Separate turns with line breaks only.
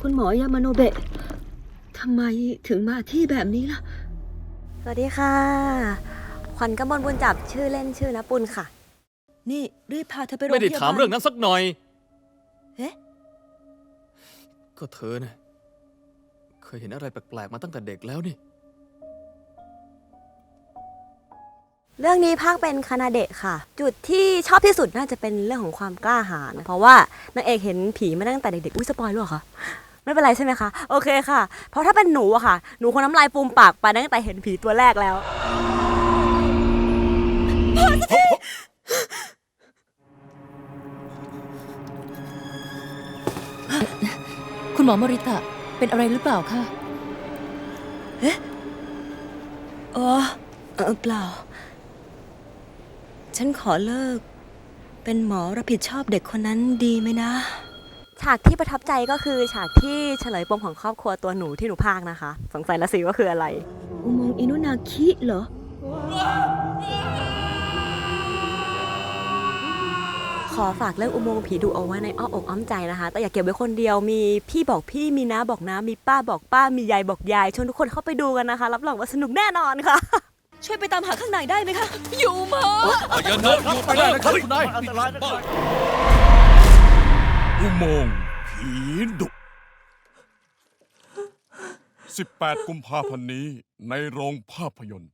คุณหมอยามาโนเบะทำไมถึงมาที่แบบนี้ล่ะ
สวัสดีค่ะขวัญกมลบุญจับชื่อเล่นชื่อณปุณค่ะ
นี่รีบพาเธอไปโรงพยาบาล
ไม่ได้ถามเรื่องนั้นสักหน่อย
เอ๊ะ
ก็เธอนะเคยเห็นอะไรแปลกๆมาตั้งแต่เด็กแล้วนี่
เรื่องนี้ภาคเป็นคานาเดะค่ะ จุดที่ชอบที่สุดน่าจะเป็นเรื่องของความกล้าหาญเพราะว่านางเอกเห็นผีมาตั้งแต่เด็กๆอุ้ยสปอยล์หรือเปล่าคะไม่เป็นไรใช่ไหมคะโอเคค่ะ เพราะถ้าเป็นหนูอะค่ะหนูคงน้ำลายฟูมปากไปตั้งแต่เห็นผีตัวแรกแล้ว
คุณหมอมริตะเป็นอะไรหรือเปล่าคะ
อ๋อเปล่าฉันขอเลิกเป็นหมอรับผิดชอบเด็กคนนั้นดีไหมนะ
ฉากที่ประทับใจก็คือฉากที่เฉลยปมของครอบครัวตัวหนูที่หนูพากย์นะคะสงสัยละสิว่าคืออะไร
อุโมงค์อินุนาคิเหรอ
ขอฝากเรื่องอุโมงค์ผีดุเอาไว้ในอ้อมอกอ้อมใจนะคะแต่อย่าเก็บไว้คนเดียวมีพี่บอกพี่มีน้าบอกน้ามีป้าบอกป้ามียายบอกยายชวนทุกคนเข้าไปดูกันนะคะรับรองว่าสนุกแน่นอนค่ะ
ช่วยไปตามหาข้างในได้ไหมคะ
อยู่หมอ
อย่าเดินไปได้นะครับคุณนาย
อุโมงค์ผีดุ 18 กุมภาพันธ์นี้ในโรงภาพยนตร์